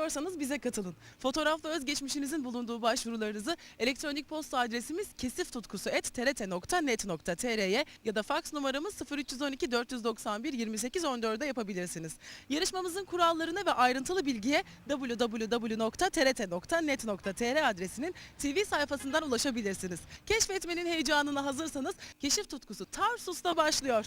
istiyorsanız bize katılın. Fotoğraflı özgeçmişinizin bulunduğu başvurularınızı elektronik posta adresimiz kesiftutkusu@trt.net.tr'ye ya da faks numaramız 0312 491 28 14'e yapabilirsiniz. Yarışmamızın kurallarına ve ayrıntılı bilgiye www.trt.net.tr adresinin TV sayfasından ulaşabilirsiniz. Keşfetmenin heyecanına hazırsanız Keşif Tutkusu Tarsus'ta başlıyor.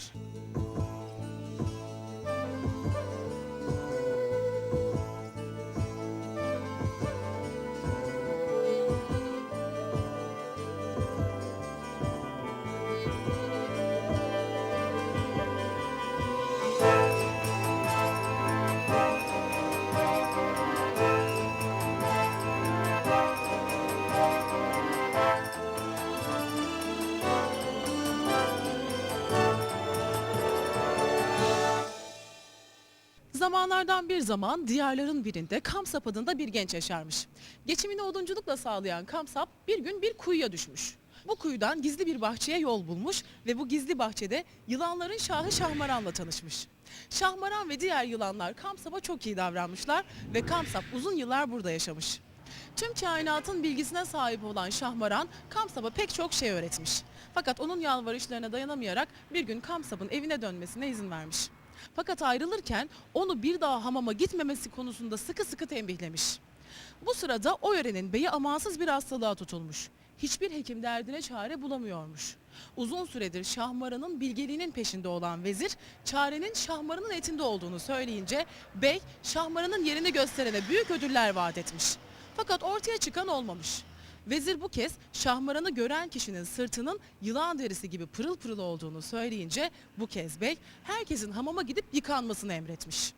Zamanlardan bir zaman diyarların birinde Kamsap adında bir genç yaşarmış. Geçimini odunculukla sağlayan Kamsap bir gün bir kuyuya düşmüş. Bu kuyudan gizli bir bahçeye yol bulmuş ve bu gizli bahçede yılanların şahı Şahmaran'la tanışmış. Şahmaran ve diğer yılanlar Kamsap'a çok iyi davranmışlar ve Kamsap uzun yıllar burada yaşamış. Tüm kainatın bilgisine sahip olan Şahmaran, Kamsap'a pek çok şey öğretmiş. Fakat onun yalvarışlarına dayanamayarak bir gün Kamsap'ın evine dönmesine izin vermiş. Fakat ayrılırken onu bir daha hamama gitmemesi konusunda sıkı sıkı tembihlemiş. Bu sırada o yörenin beyi amansız bir hastalığa tutulmuş. Hiçbir hekim derdine çare bulamıyormuş. Uzun süredir Şahmaran'ın bilgeliğinin peşinde olan vezir, çarenin Şahmaran'ın etinde olduğunu söyleyince bey Şahmaran'ın yerini gösterene büyük ödüller vaat etmiş. Fakat ortaya çıkan olmamış. Vezir bu kez Şahmaran'ı gören kişinin sırtının yılan derisi gibi pırıl pırıl olduğunu söyleyince bu kez bey herkesin hamama gidip yıkanmasını emretmiş.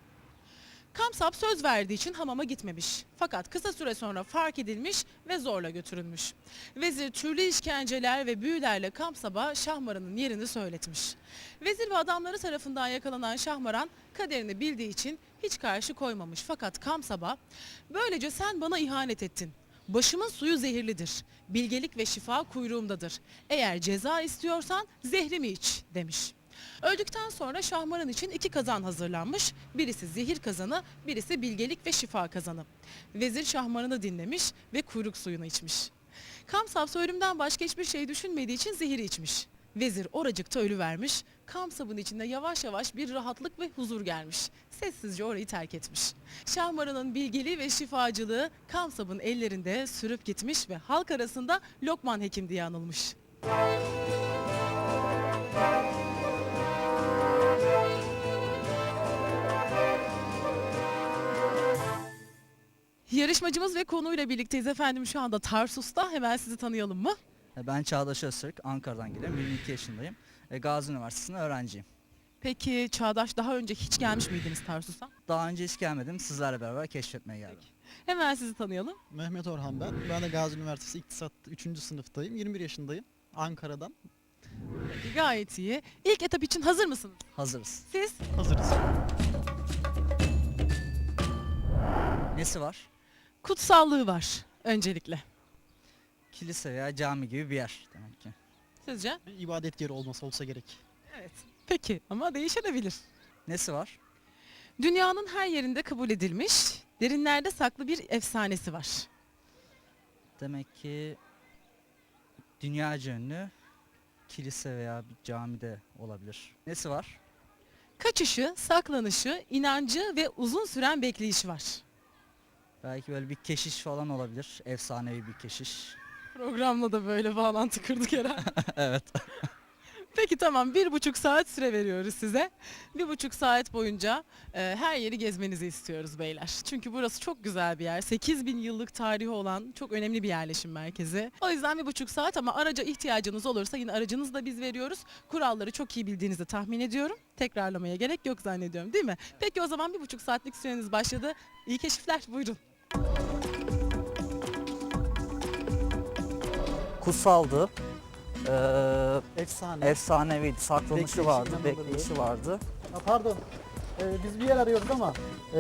Kamsap söz verdiği için hamama gitmemiş. Fakat kısa süre sonra fark edilmiş ve zorla götürülmüş. Vezir türlü işkenceler ve büyülerle Kamsap'a Şahmaran'ın yerini söyletmiş. Vezir ve adamları tarafından yakalanan Şahmaran kaderini bildiği için hiç karşı koymamış. Fakat Kamsap'a böylece sen bana ihanet ettin. Başımın suyu zehirlidir. Bilgelik ve şifa kuyruğumdadır. Eğer ceza istiyorsan zehrimi iç demiş. Öldükten sonra Şahmaran için 2 kazan hazırlanmış. Birisi zehir kazanı, birisi bilgelik ve şifa kazanı. Vezir Şahmaran'ı dinlemiş ve kuyruk suyunu içmiş. Kamsap ölümden başka hiçbir şey düşünmediği için zehiri içmiş. Vezir oracıkta ölüvermiş. Kamsap'ın içinde yavaş yavaş bir rahatlık ve huzur gelmiş. Sessizce orayı terk etmiş. Şahmaran'ın bilgeliği ve şifacılığı Kamsap'ın ellerinde sürüp gitmiş ve halk arasında Lokman Hekim diye anılmış. Yarışmacımız ve konuyla birlikteyiz efendim, şu anda Tarsus'ta. Hemen sizi tanıyalım mı? Ben Çağdaş Öztürk, Ankara'dan geliyorum. 22 yaşındayım. Gazi Üniversitesi'nde öğrenciyim. Peki Çağdaş, daha önce hiç gelmiş miydiniz Tarsus'a? Daha önce hiç gelmedim. Sizlerle beraber keşfetmeye geldim. Hemen sizi tanıyalım. Mehmet Orhan ben. Ben de Gazi Üniversitesi İktisat 3. sınıftayım. 21 yaşındayım. Ankara'dan. Peki, gayet iyi. İlk etap için hazır mısınız? Hazırız. Siz? Hazırız. Nesi var? Kutsallığı var öncelikle. Kilise veya cami gibi bir yer demek ki. Sizce? Bir ibadet yeri olsa gerek. Evet. Peki ama değişebilir. Nesi var? Dünyanın her yerinde kabul edilmiş, derinlerde saklı bir efsanesi var. Demek ki dünyaca ünlü kilise veya bir camide olabilir. Nesi var? Kaçışı, saklanışı, inancı ve uzun süren bekleyişi var. Belki böyle bir keşiş falan olabilir. Efsanevi bir keşiş. Programla da böyle bağlantı kırdık herhalde. Evet. Peki tamam, 1,5 saat süre veriyoruz size. 1,5 saat boyunca her yeri gezmenizi istiyoruz beyler. Çünkü burası çok güzel bir yer. 8.000 yıllık tarihi olan çok önemli bir yerleşim merkezi. O yüzden 1,5 saat, ama araca ihtiyacınız olursa yine aracınızı da biz veriyoruz. Kuralları çok iyi bildiğinizi tahmin ediyorum. Tekrarlamaya gerek yok zannediyorum, değil mi? Peki o zaman 1,5 saatlik süreniz başladı. İyi keşifler, buyurun. Kutsaldı. Efsane. Efsaneviydi. Saklanışı Bekleyişi, vardı. inanılırdı. Bekleyişi vardı. Pardon. Biz bir yer arıyoruz ama.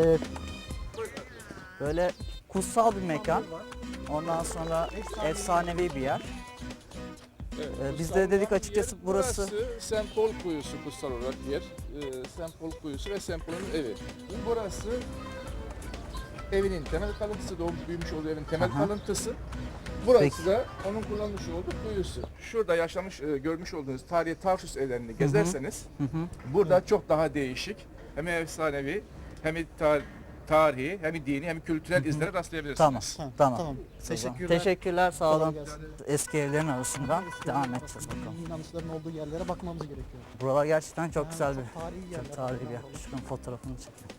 Böyle kutsal bir mekan. Ondan sonra efsanevi bir yer. Biz de dedik açıkçası burası Sempol Kuyusu kutsal olarak yer. Sempol Kuyusu ve Sempol'un evi. Burası evinin temel kalıntısı, doğmuş büyümüş olduğu evin temel Aha. kalıntısı. Burası Peki. da onun kullanmış olduğu kuyusu. Şurada yaşamış, görmüş olduğunuz tarihi Tarsus evlerini gezerseniz Hı hı. burada çok daha değişik, hem efsanevi, hem tarihi, hem dini, hem kültürel izlere rastlayabilirsiniz. Tamam. Tamam. Tamam. Teşekkürler. Teşekkürler, sağ olun. Kolay gelsin. Eski evlerin arasından devam edeceğiz bakalım. Dini inanışların olduğu yerlere bakmamız gerekiyor. Buralar gerçekten çok Ha, güzel çok bir, tarihi yerler. çok tarihi bir yer. Şunun fotoğrafını çekelim.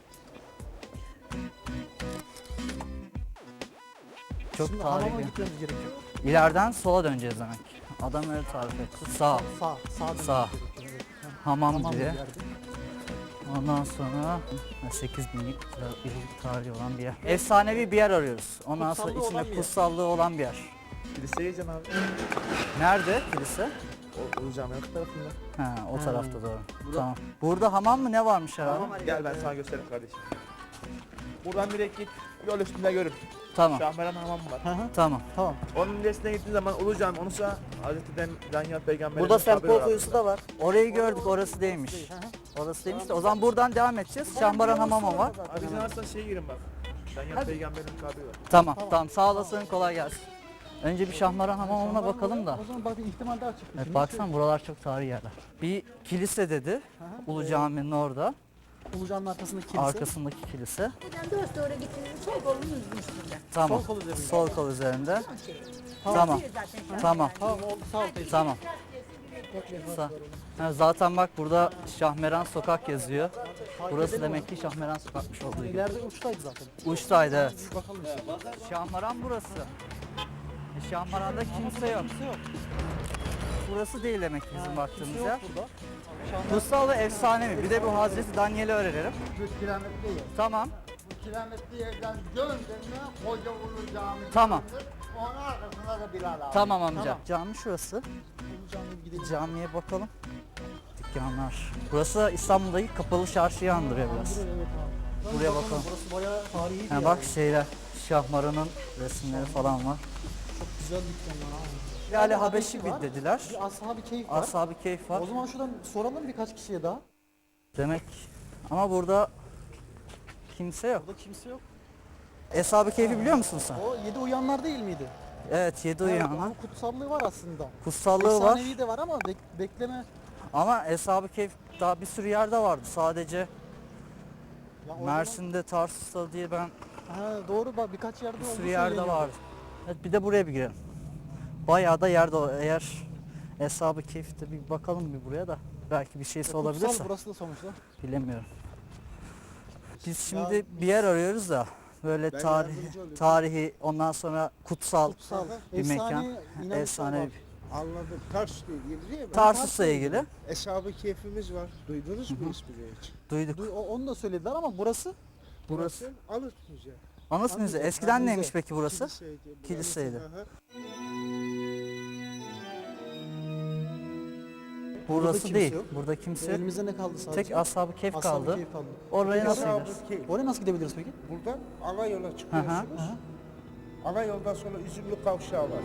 Çok Şimdi tarihi hamama bir. gitmemiz gerekiyor. İleriden sola döneceğiz demek. Adam öyle tarif etti. Sağ, Sağ dönmemiz Sağ. gerekiyor. Evet. Ha, hamam hamam diye. bir yerde. Ondan sonra 8000 yıllık tarihi olan bir yer. Efsanevi bir yer arıyoruz. Ondan sonra Kutsallığı olan bir içinde yer. kutsallığı olan bir yer. Kiliseye gideceğim abi. Nerede kilise? Ulu Cami'nin öte tarafında. Ha, o Ha. tarafta doğru. Tamam. Burada hamam mı ne varmış herhalde? Gel ben sana göstereyim kardeşim. Buradan direkt git. Yol üstünde görün. Tamam. Şahmeran hamam var. Hı hı. Tamam. Tamam. Onun ilerisine gittiğin zaman Ulu Cami, onu sağ Hazreti Danyal Peygamber'in Burada kabri Sempol var kuyusu aslında. da var. Orayı gördük, orası değilmiş. Hı hı. Orası değilmiş de o zaman buradan devam edeceğiz. Şahmaran hamamı var. Abi sen varsa şeye girin bak. Danyal Peygamber'in kabri var. Tamam, tamam. Sağ olasın, kolay gelsin. Önce bir Şahmaran hamamına bakalım da. O zaman bak bir ihtimal daha çıktı. Evet, Şimdi baksana buralar çok tarihi yerler. Bir kilise dedi. Hı hı. Ulu Cami'nin orada. Ulucan'ın arkasındaki kilise. Arkasındaki kilise. Buradan 4 doğru gittiğinizde sol kolunun üstünde. Tamam. Sol kol üzerinde. Sol kol üzerinde. Son şey. Tamam. Yazıyor zaten şu an. Tamam. Tamam oldu sağ ol teyze. Tamam. Ha, zaten bak burada Şahmeran Sokak yazıyor. Burası demek ki Şahmeran Sokakmış olduğu gibi. İleride uçtaydı zaten. Uçtaydı evet. Bir bakalım işte. Şahmaran burası. Şahmaran'da kimse yok. Kimse yok. Burası değil demek ki bizim baktığımız Kimse yer. yok burada. Şahmeran Kutsal ve efsanevi. Bir de bu Hazreti Daniel'i öğrenelim. Şu kilometre yer. Tamam. Bu kilometre yerden döndüğünde Koca Ulu Cami. Tamam. Onun arkasında da Bilal abi. Tamam amca. Tamam. Cami şurası. Ulucan'a bir gidelim. Camiye bakalım. Dükkanlar. Burası İstanbul'daki kapalı çarşıyı andırıyor biraz. Evet abi. Buraya bakalım. Burası bayağı tarihi bir Ha, yer. bak şeyler. Şahmaran'ın resimleri falan var. Çok güzel dükkanlar abi. Lale Habeşi var. dediler. Bir Ashab-ı Keyif var. Ashab-ı Keyif var. O zaman şuradan soralım birkaç kişiye daha. Demek ama burada kimse yok. Burada kimse yok. Ashab-ı Keyf'i biliyor musun sen? O 7 uyanlar değil miydi? Evet, 7 Evet, uyanlar. onun kutsallığı var aslında. Kutsallığı var. Efsanevi de var ama bekleme. Ama Ashab-ı Keyf daha bir sürü yerde vardı. Sadece Ya o Mersin'de, Tarsus'ta diye ben zaman- Ha, doğru bak birkaç yerde bir olduğu sürü yerde söyleniyor. vardı. Evet, bir de buraya bir girelim. Bayağı da yerde eğer Ashab-ı Keyf'te bir bakalım bir buraya da. Belki bir şeysi Kutsal olabilirse. burası da sonuçta. Bilemiyorum. Biz şimdi bir yer arıyoruz da böyle yardımcı olayım. tarihi ondan sonra kutsal Kutsal. bir mekan. inanışlar Efsane var. bir Anladım. Tarsus'la ilgili değil mi? Tarsus'la ilgili Eshab-ı Keyfimiz var. Duydunuz mu ismini hiç? duyduk. Onu da söylediler ama burası Burası Anıt Müze. Anıt Müze. Müze. Eskiden Müze. neymiş peki burası? Kiliseydi. burası. Kiliseydi. Hı hı. Burası kimse değil. yok. Burada kimse yok. elimizde ne kaldı sadece? Tek Ashab-ı Keyf Ashab-ı kaldı. Keyif kaldı. Oraya nasıl Eshab-ı gideriz? Keyf. Oraya nasıl gidebiliriz peki? Buradan ana yola Hı hı. çıkıyorsunuz. Ana yoldan sonra Üzümlü Kavşağı var.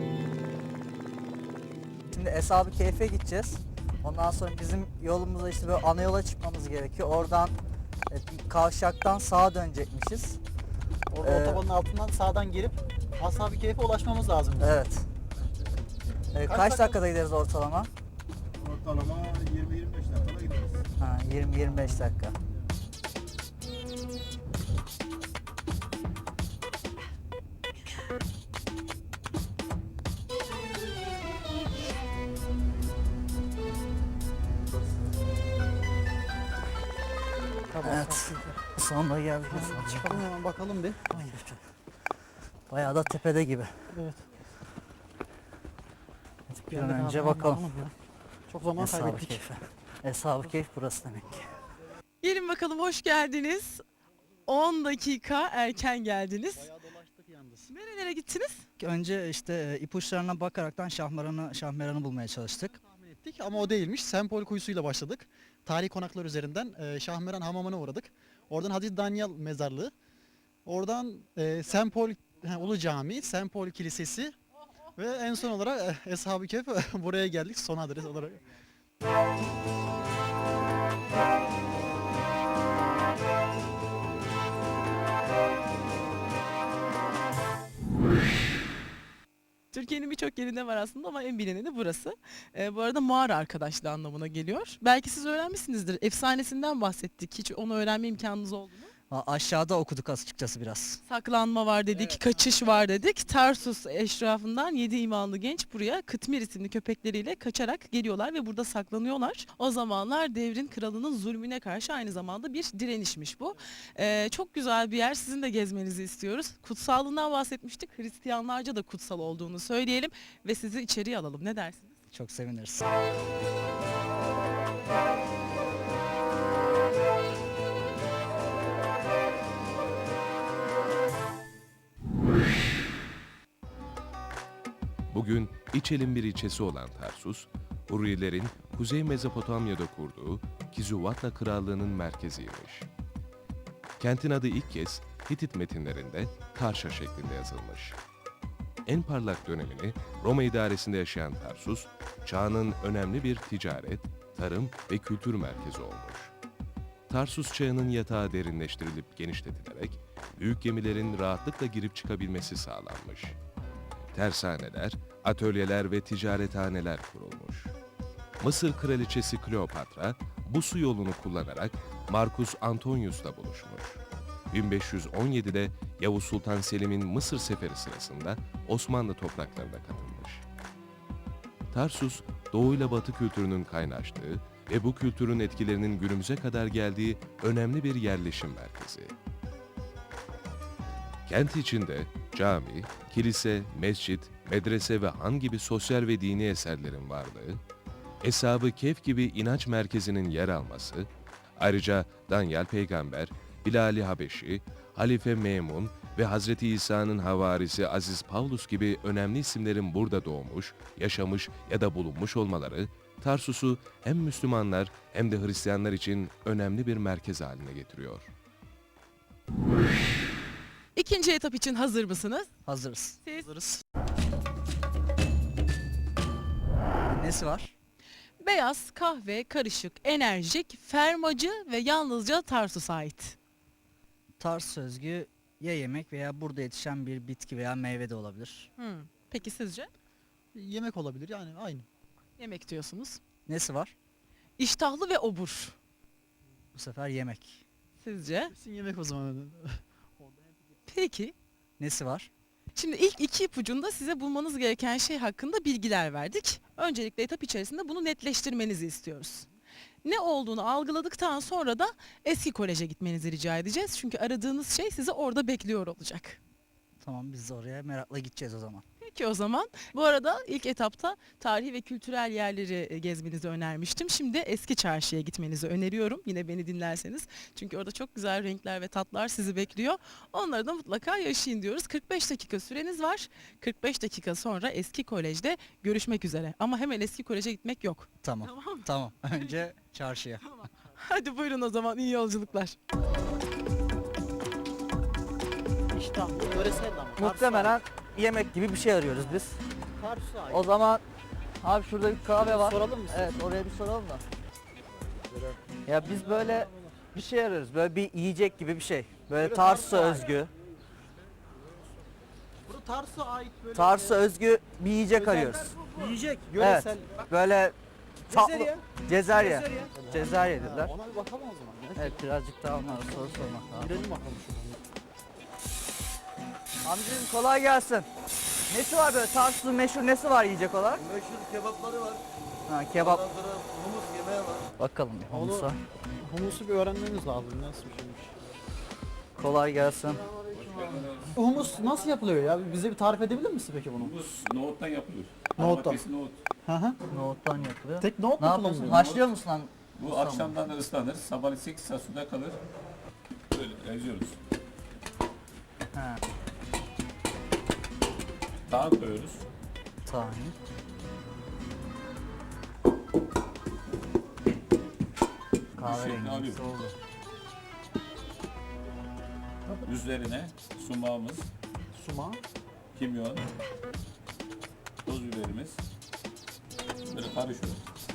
Şimdi Ashab-ı Keyf'e gideceğiz. Ondan sonra bizim yolumuzda işte böyle ana yola çıkmamız gerekiyor. Oradan bir kavşaktan sağa dönecekmişiz. Orada otobanın altından sağdan girip Ashab-ı Keyif'e ulaşmamız lazım. Evet. Kaç dakikada gideriz ortalama? Ortalama 20-25 dakikada gideriz. Ha, 20-25 dakika. Tamam. Evet. Sonuna geldik. Çıkalım hemen bakalım bir. Bayağı da tepede gibi. Evet. Bir an Geldik önce abi, bakalım. ya. Çok zaman Eshab-ı kaybettik. Keyf'e. Eshab-ı Keyf burası demek ki. Gelin bakalım, hoş geldiniz. 10 dakika erken geldiniz. Bayağı dolaştık yalnız. Nerelere gittiniz? Önce işte ipuçlarına bakaraktan Şahmeran'ı bulmaya çalıştık. Tahmin ettik ama o değilmiş. Sempol kuyusuyla başladık. Tarihi konaklar üzerinden Şahmeran Hamamı'na uğradık. Oradan Hazreti Danyal mezarlığı. Oradan Sempol Ulu Cami, Sempol Kilisesi ve en son olarak Eshab-ı Kehf buraya geldik son adres olarak. Türkiye'nin birçok yerinde var aslında ama en bilineni burası. Bu arada mağara arkadaşlığı anlamına geliyor. Belki siz öğrenmişsinizdir. Efsanesinden bahsettik. Hiç onu öğrenme imkanınız oldu mu? Aşağıda okuduk açıkçası biraz. Saklanma var dedik, kaçış var dedik. Tarsus eşrafından 7 imanlı genç buraya Kıtmir isimli köpekleriyle kaçarak geliyorlar ve burada saklanıyorlar. O zamanlar devrin kralının zulmüne karşı aynı zamanda bir direnişmiş bu. Çok güzel bir yer, sizin de gezmenizi istiyoruz. Kutsallığından bahsetmiştik, Hristiyanlarca da kutsal olduğunu söyleyelim ve sizi içeriye alalım. Ne dersiniz? Çok seviniriz. Bugün İçel'in bir ilçesi olan Tarsus, Hurrilerin Kuzey Mezopotamya'da kurduğu Kizuvatna Krallığı'nın merkeziymiş. Kentin adı ilk kez Hitit metinlerinde Tarşa şeklinde yazılmış. En parlak dönemini Roma idaresinde yaşayan Tarsus, çağının önemli bir ticaret, tarım ve kültür merkezi olmuş. Tarsus çağının yatağı derinleştirilip genişletilerek büyük gemilerin rahatlıkla girip çıkabilmesi sağlanmış. Tersaneler, atölyeler ve ticarethaneler kurulmuş. Mısır kraliçesi Kleopatra bu su yolunu kullanarak Marcus Antonius'la buluşmuş. 1517'de Yavuz Sultan Selim'in Mısır seferi sırasında Osmanlı topraklarına katılmış. Tarsus, Doğu ile Batı kültürünün kaynaştığı ve bu kültürün etkilerinin günümüze kadar geldiği önemli bir yerleşim merkezi. Kent içinde cami, kilise, mescit, medrese ve han gibi sosyal ve dini eserlerin varlığı, Eshab-ı Kehf gibi inanç merkezinin yer alması, ayrıca Danyal Peygamber, Bilal-i Habeşi, Halife Memun ve Hazreti İsa'nın havarisi Aziz Pavlus gibi önemli isimlerin burada doğmuş, yaşamış ya da bulunmuş olmaları, Tarsus'u hem Müslümanlar hem de Hristiyanlar için önemli bir merkez haline getiriyor. İkinci etap için hazır mısınız? Hazırız. Siz? Hazırız. Nesi var? Beyaz, kahve, karışık, enerjik, fermacı ve yalnızca Tarsus'a ait. Tarsus özgü ya yemek veya burada yetişen bir bitki veya meyve de olabilir. Peki sizce? Yemek olabilir yani aynı. Yemek diyorsunuz. Nesi var? İştahlı ve obur. Bu sefer yemek. Sizce? Kesin yemek o zaman. Peki. Nesi var? Şimdi ilk iki ipucunda size bulmanız gereken şey hakkında bilgiler verdik. Öncelikle etap içerisinde bunu netleştirmenizi istiyoruz. Ne olduğunu algıladıktan sonra da eski koleje gitmenizi rica edeceğiz. Çünkü aradığınız şey sizi orada bekliyor olacak. Tamam, biz de oraya merakla gideceğiz o zaman. Peki o zaman. Bu arada ilk etapta tarihi ve kültürel yerleri gezmenizi önermiştim. Şimdi eski çarşıya gitmenizi öneriyorum. Yine beni dinlerseniz. Çünkü orada çok güzel renkler ve tatlar sizi bekliyor. Onları da mutlaka yaşayın diyoruz. 45 dakika süreniz var. 45 dakika sonra eski kolejde görüşmek üzere. Ama hemen eski koleje gitmek yok. Tamam. Tamam mı? Tamam. Önce çarşıya. Hadi buyurun o zaman, iyi yolculuklar. Muhtemelen yemek gibi bir şey arıyoruz biz. O zaman abi şurada bir kahve var. Soralım mı? Evet, oraya bir soralım da. Ya biz böyle bir şey arıyoruz. Böyle bir yiyecek gibi bir şey. Böyle Tarsus'a özgü. Burada Tarsus'a ait böyle Tarsus'a özgü bir yiyecek arıyoruz. yiyecek, Evet. yöresel. Böyle tatlı. Cezerye. Cezerye. Cezerye. Cezerye dediler. Ona bir bakalım o zaman. Evet, birazcık daha onlara soru sormak lazım. Girelim bakalım şuradan. Amcacığım kolay gelsin. Nesi var böyle Tarsus'un meşhur nesi var yiyecek olarak? Meşhur kebapları var. Ha, kebap. Ondan sonra humus yemeği var. Bakalım bir humusa. Humusu bir öğrenmemiz lazım. Nasıl bir şeymiş? Kolay gelsin. Humus nasıl yapılıyor ya? Bize bir tarif edebilir misin peki bunu? Nohuttan yapılıyor. Nohuttan. Domatesli nohut. Hı hı. Nohuttan yapılıyor. Tek nohut Ne mu yapıyorsun? kullanılıyor? Haşlıyor musun lan? Bu akşamdan da ıslanır. Sabah 8 saat suda kalır. Böyle eziyoruz. Ha, Tahan koyuyoruz. tahin. Kahverengisi alıyor. oldu. Üzerine sumağımız, Suma. kimyon, toz biberimiz. Böyle karışıyor.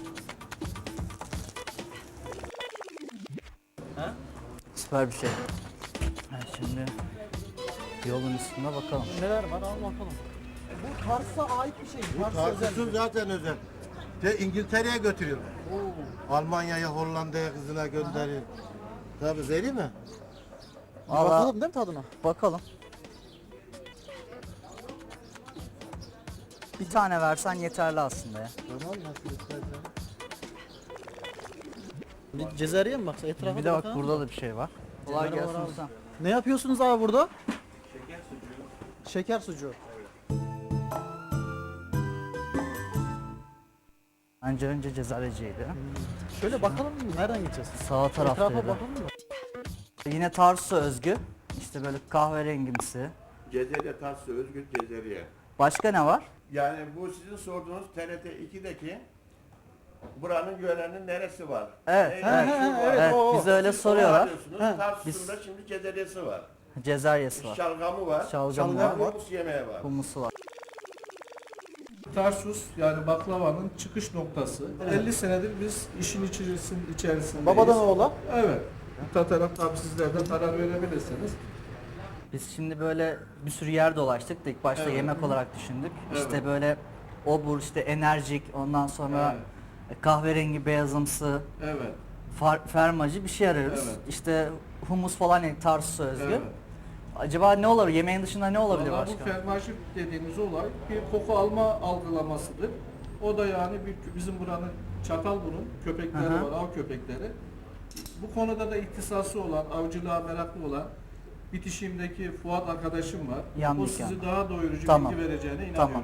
Süper bir şey. Ha, şimdi yolun üstünde bakalım. Neler var? Al bakalım. Bu Tarsus'a ait bir şey. Tarsus'un zaten özel. İngiltere'ye götürüyorlar. Almanya'ya, Hollanda'ya kızına gönderiyor. Tabii vereyim mi? Valla Bakalım değil mi tadına? bakalım. Bir tane versen yeterli aslında ya. Tamam nasıl istersen. Bir Cezerye mi baksa etrafa Bir da de bak bakalım. burada da bir şey var. Kolay Cezerye var gelsin abi. usta. Ne yapıyorsunuz abi burada? Şeker sucuğu. Şeker sucuğu. Önce cezareciydi. Şöyle bakalım nereden gideceğiz? Sağ Etrafa taraftaydı. bakalım mı? Yine Tarsus'a özgü. İşte böyle kahverengimsi. Cezerye Tarsus'a özgür Cezerye. Başka ne var? Yani bu sizin sorduğunuz TRT 2'deki buranın yörenin neresi var? Evet, Evet, Evet, o. bize öyle soruyorlar. Tarsus'un da şimdi Cezeryesi var. Cezaryesi var. Şalgamı var. Şalgam var. Humus yemeği var. Humusu var. Tarsus yani baklavanın çıkış noktası. 50 senedir biz işin içerisindeyiz. Babadan oğula. Evet. Bu taraf tabii sizler de karar verebilirsiniz. Biz şimdi böyle bir sürü yer dolaştık da ilk başta Evet. yemek olarak düşündük. Evet. İşte böyle obur, işte enerjik, ondan sonra kahverengi beyazımsı, Evet. fermacı bir şey arıyoruz. Evet. İşte humus falan yani Tarsus'a özgü. Evet. Acaba ne olur? Yemeğin dışında ne olabilir Vallahi başka? bu fermajı dediğimiz olay bir koku alma algılamasıdır. O da yani bizim buranın Çatalburun köpekleri Hı hı. var, av köpekleri. Bu konuda da ihtisası olan, avcılığa meraklı olan bitişimdeki Fuat arkadaşım var. Yan O dükkan. sizi daha doyurucu Tamam. bilgi vereceğine inanıyorum. Tamam.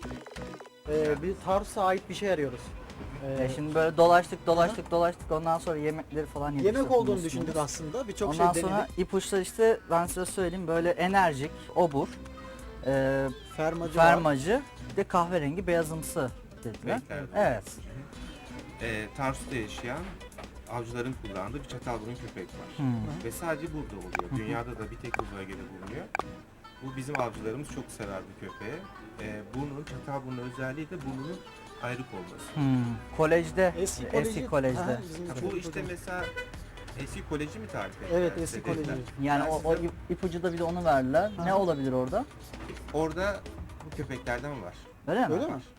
Biz Tarsus'a ait bir şey arıyoruz. Şimdi böyle dolaştık ondan sonra yemekleri falan yedik. Yemek işte, olduğunu humus, düşündük humus. aslında. Birçok Ondan şey sonra denedik. ipuçları işte ben size söyleyeyim böyle enerjik, obur, Fermacı var. fermacı, bir de kahverengi beyazımsı dediler. Evet. Tarsus'ta yaşayan avcıların kullandığı bir Çatalburun köpek var. Ve sadece burada oluyor. Dünyada da bir tek bu bölgede bulunuyor. Bu bizim avcılarımız çok sever bu köpeği. Burnunun, Çatalburun özelliği de burnunun ayrık olması. Kolejde, Eski kolejde. Aha, bizim Ha, bu çocuk işte hocam. mesela eski koleji mi tarif ediyor? Evet eski koleji. Yani Ben o size- ipucu da bir de onu verdiler. Ne olabilir orada? Orada bu köpeklerden var. Öyle mi? Öyle mi?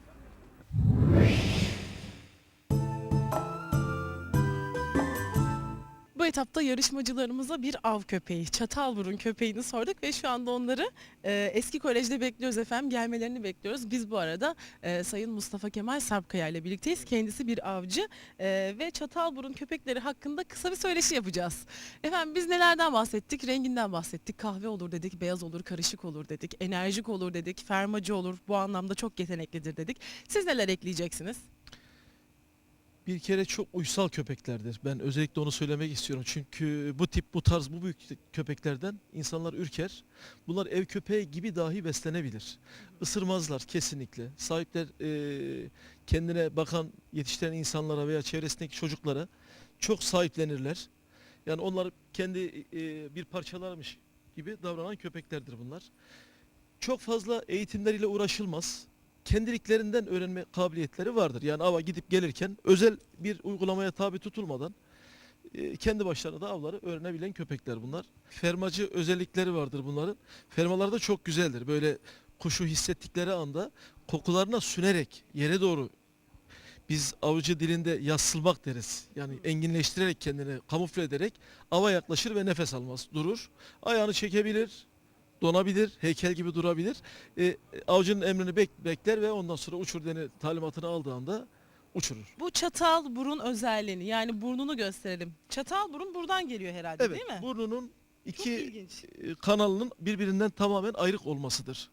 Bu etapta yarışmacılarımıza bir av köpeği, Çatalburun köpeğini sorduk ve şu anda onları eski kolejde bekliyoruz efendim. Gelmelerini bekliyoruz. Biz bu arada Sayın Mustafa Kemal Sarpkaya ile birlikteyiz. Kendisi bir avcı ve Çatalburun köpekleri hakkında kısa bir söyleşi yapacağız. Efendim biz nelerden bahsettik? Renginden bahsettik. Kahve olur dedik, beyaz olur, karışık olur dedik, enerjik olur dedik, fermacı olur. Bu anlamda çok yeteneklidir dedik. Siz neler ekleyeceksiniz? Bir kere çok uysal köpeklerdir. Ben özellikle onu söylemek istiyorum. Çünkü bu tarz bu büyük köpeklerden insanlar ürker. Bunlar ev köpeği gibi dahi beslenebilir. Isırmazlar kesinlikle. Sahipler kendine bakan yetiştiren insanlara veya çevresindeki çocuklara çok sahiplenirler. Yani onlar kendi bir parçalarmış gibi davranan köpeklerdir bunlar. Çok fazla eğitimleriyle uğraşılmaz. Kendiliklerinden öğrenme kabiliyetleri vardır. Yani ava gidip gelirken özel bir uygulamaya tabi tutulmadan kendi başlarına da avları öğrenebilen köpekler bunlar. Fermacı özellikleri vardır bunların. Fermalar da çok güzeldir. Böyle kuşu hissettikleri anda kokularına sünerek yere doğru, biz avcı dilinde yassılmak deriz. Yani enginleştirerek kendini kamufle ederek ava yaklaşır ve nefes almaz. Durur. Ayağını çekebilir. Donabilir, heykel gibi durabilir. Avcının emrini bekler ve ondan sonra uçur talimatını aldığı anda uçurur. Bu Çatalburun özelliğini yani burnunu gösterelim. Çatalburun buradan geliyor herhalde Evet, değil mi? burnunun Çok iki ilginç. kanalının birbirinden tamamen ayrık olmasıdır.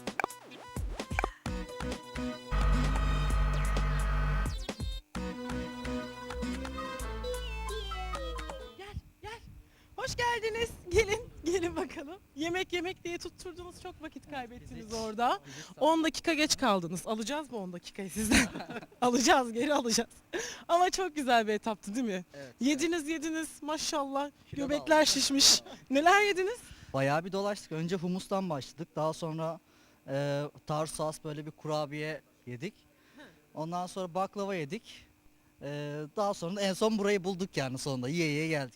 Gel. Hoş geldiniz. Gelin bakalım. Yemek diye tutturdunuz. Çok vakit kaybettiniz orada. 10 dakika geç kaldınız. Alacağız mı 10 dakikayı sizden? Alacağız, geri alacağız. Ama çok güzel bir etaptı değil mi? Evet, Yediniz maşallah. Kilo da Göbekler aldım. şişmiş. Neler yediniz? Bayağı bir dolaştık. Önce humustan başladık. Daha sonra Tarsus böyle bir kurabiye yedik. Ondan sonra baklava yedik. Daha sonra en son burayı bulduk yani sonunda. Yiye geldik.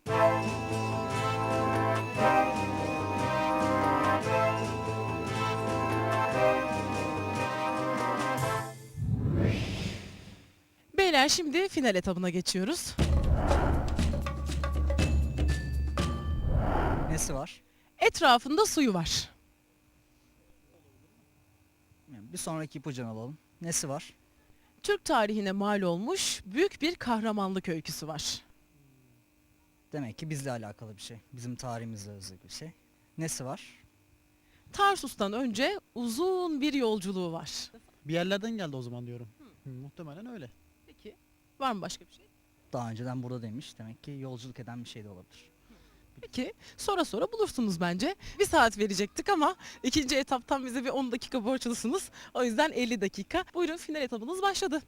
seyirciler, şimdi final etabına geçiyoruz. Nesi var? Etrafında suyu var. Bir sonraki ipucunu alalım. Nesi var? Türk tarihine mal olmuş büyük bir kahramanlık öyküsü var. Demek ki bizle alakalı bir şey. Bizim tarihimizle özgü bir şey. Nesi var? Tarsus'tan önce uzun bir yolculuğu var. Bir yerlerden geldi o zaman diyorum. Muhtemelen öyle. Peki, var mı başka bir şey? Daha önceden burada demiş. Demek ki yolculuk eden bir şey de olabilir. Peki, sonra bulursunuz bence. Bir saat verecektik ama ikinci etaptan bize bir 10 dakika borçlusunuz. O yüzden 50 dakika. Buyurun, final etabınız başladı.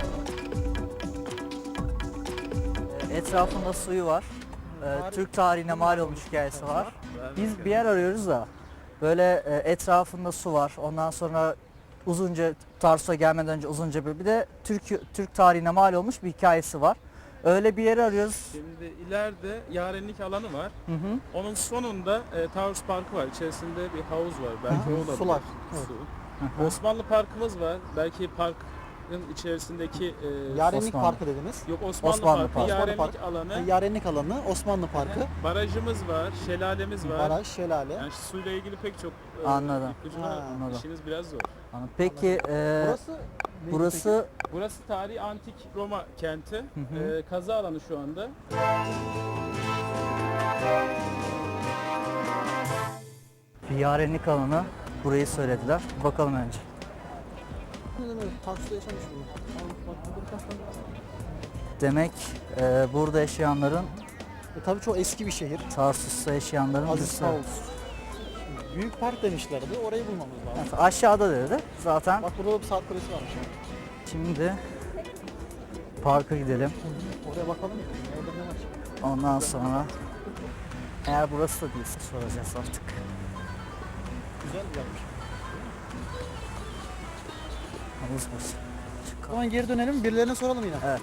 Etrafında suyu var. Türk tarihine mal olmuş hikayesi var. Biz bir yer arıyoruz da böyle etrafında su var. Ondan sonra uzunca Tarsus'a gelmeden önce uzunca bir de Türk tarihine mal olmuş bir hikayesi var. Öyle bir yeri arıyoruz. Şimdi ileride yarenlik alanı var. Hı hı. Onun sonunda Tarsus Parkı var. İçerisinde bir havuz var. Belki o olabilir. Sular. Su. Osmanlı Parkımız var. Belki parkın içerisindeki Yarenlik Osmanlı. Parkı dediniz. yok Osmanlı, Osmanlı Parkı, Parkı. yarenlik Parkı. alanı, Yarenlik alanı, Osmanlı Parkı, barajımız var, şelalemiz var. baraj, şelale. Yani suyla ilgili pek çok Anladım. ipucu Ha, var. anladım. İşiniz biraz zor. Peki Burası neydi burası Burası tarihi antik Roma kenti. hı. Kazı alanı şu anda. bir yarenlik alanı. Burayı söylediler. Bakalım önce. Tarsus'ta yaşamış mı? Demek burada yaşayanların, Tabii çok eski bir şehir. Tarsus'ta yaşayanların Aziz birisi. sağ olsun. Büyük park demişlerdi. Orayı bulmamız lazım. Evet, aşağıda dedi. Zaten Bak burada da bir saat kulesi varmış. şimdi parka gidelim. Oraya bakalım. Orada ne var? Ondan sonra eğer burası da değilse soracağız artık. Güzel yapmış. Havuz burası. O zaman geri dönelim. Birilerine soralım yine. Evet.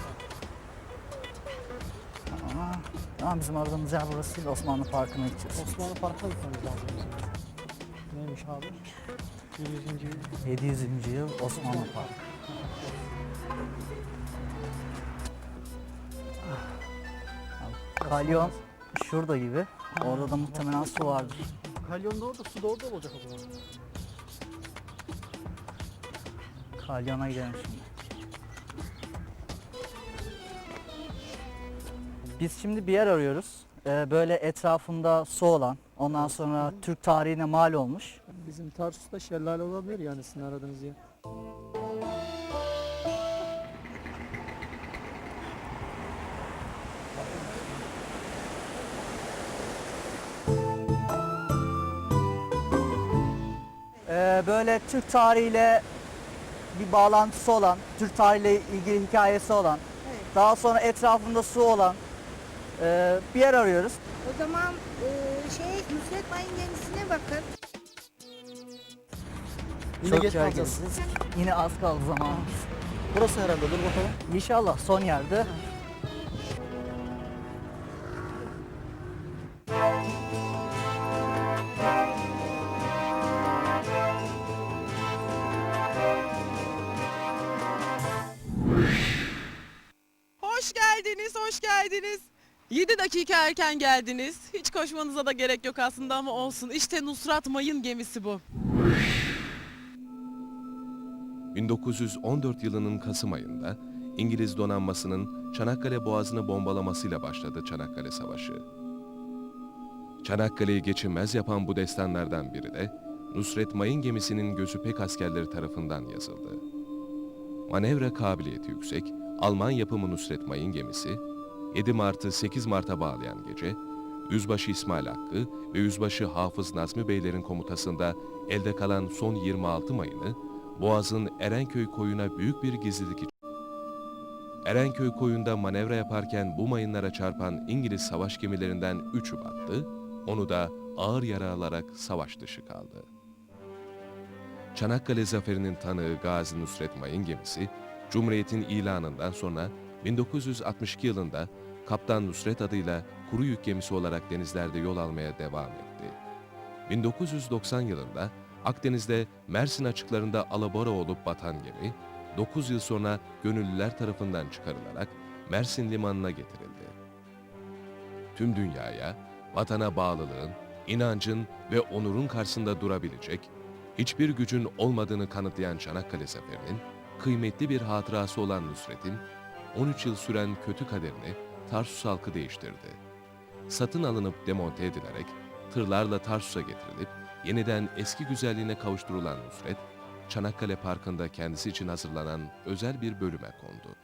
Ama bizim aradığımız yer burası değil. Osmanlı Parkı'na gideceğiz. Osmanlı Parkı'na gitmemiz lazım. Neymiş abi? 700. yıl. 700. yıl Osmanlı Parkı. Kalyon şurada gibi. Orada da muhtemelen su vardır. Kalyon da orada, su da orada olacak o zaman. Kalyona gidelim şimdi. Biz şimdi bir yer arıyoruz. Böyle etrafında su olan, ondan sonra Türk tarihine mal olmuş. Bizim Tarsus'ta şelale olabilir yani sizin aradığınız yer. Böyle Türk tarihiyle bir bağlantısı olan, Türk tarihiyle ilgili hikayesi olan, daha sonra etrafında su olan bir yer arıyoruz. O zaman Nusret Mayın gemisine bakın. Yine Çok geç yer kalacağız. gezeceğiz. Yine az kaldı zamanımız. Burası herhalde. Dur bakalım. İnşallah son yerde. Hoş geldiniz, hoş geldiniz. 7 dakika erken geldiniz. Hiç koşmanıza da gerek yok aslında ama olsun. İşte Nusret Mayın gemisi bu. 1914 yılının Kasım ayında İngiliz donanmasının Çanakkale Boğazı'nı bombalamasıyla başladı Çanakkale Savaşı. Çanakkale'yi geçilmez yapan bu destanlardan biri de Nusret Mayın gemisinin gözü pek askerleri tarafından yazıldı. Manevra kabiliyeti yüksek, Alman yapımı Nusret Mayın gemisi, 7 Mart'ı 8 Mart'a bağlayan gece, Yüzbaşı İsmail Hakkı ve Yüzbaşı Hafız Nazmi Beylerin komutasında elde kalan son 26 mayını, Boğaz'ın Erenköy koyuna büyük bir gizlilik için. Erenköy koyunda manevra yaparken bu mayınlara çarpan İngiliz savaş gemilerinden 3'ü battı, onu da ağır yara alarak savaş dışı kaldı. Çanakkale Zaferi'nin tanığı Gazi Nusret Mayın gemisi, Cumhuriyet'in ilanından sonra 1962 yılında Kaptan Nusret adıyla kuru yük gemisi olarak denizlerde yol almaya devam etti. 1990 yılında Akdeniz'de Mersin açıklarında alabora olup batan gemi, 9 yıl sonra gönüllüler tarafından çıkarılarak Mersin limanına getirildi. Tüm dünyaya vatana bağlılığın, inancın ve onurun karşısında durabilecek, hiçbir gücün olmadığını kanıtlayan Çanakkale Zaferi'nin kıymetli bir hatırası olan Nusret'in 13 yıl süren kötü kaderini Tarsus halkı değiştirdi. Satın alınıp demonte edilerek tırlarla Tarsus'a getirilip yeniden eski güzelliğine kavuşturulan Nusret, Çanakkale Parkı'nda kendisi için hazırlanan özel bir bölüme kondu.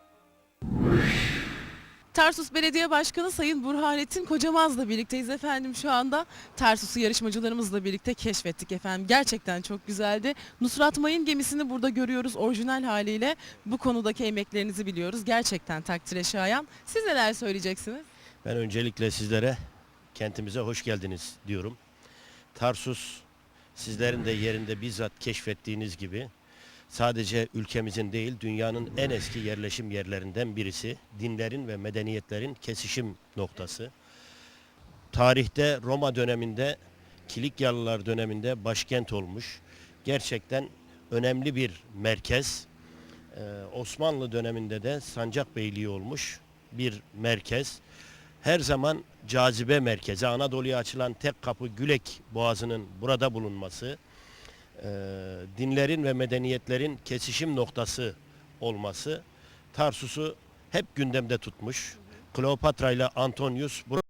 Tarsus Belediye Başkanı Sayın Burhanettin Kocamaz'la birlikteyiz efendim şu anda. Tarsus'u yarışmacılarımızla birlikte keşfettik efendim. Gerçekten çok güzeldi. Nusrat Mayın gemisini burada görüyoruz orijinal haliyle. Bu konudaki emeklerinizi biliyoruz. Gerçekten takdire şayan. Siz neler söyleyeceksiniz? Ben öncelikle sizlere kentimize hoş geldiniz diyorum. Tarsus sizlerin de yerinde bizzat keşfettiğiniz gibi sadece ülkemizin değil dünyanın en eski yerleşim yerlerinden birisi. Dinlerin ve medeniyetlerin kesişim noktası. Tarihte Roma döneminde, Kilikyalılar döneminde başkent olmuş. Gerçekten önemli bir merkez. Osmanlı döneminde de Sancakbeyliği olmuş bir merkez. Her zaman cazibe merkezi, Anadolu'ya açılan tek kapı Gülek Boğazı'nın burada bulunması, dinlerin ve medeniyetlerin kesişim noktası olması Tarsus'u hep gündemde tutmuş. Kleopatra ile Antonius burada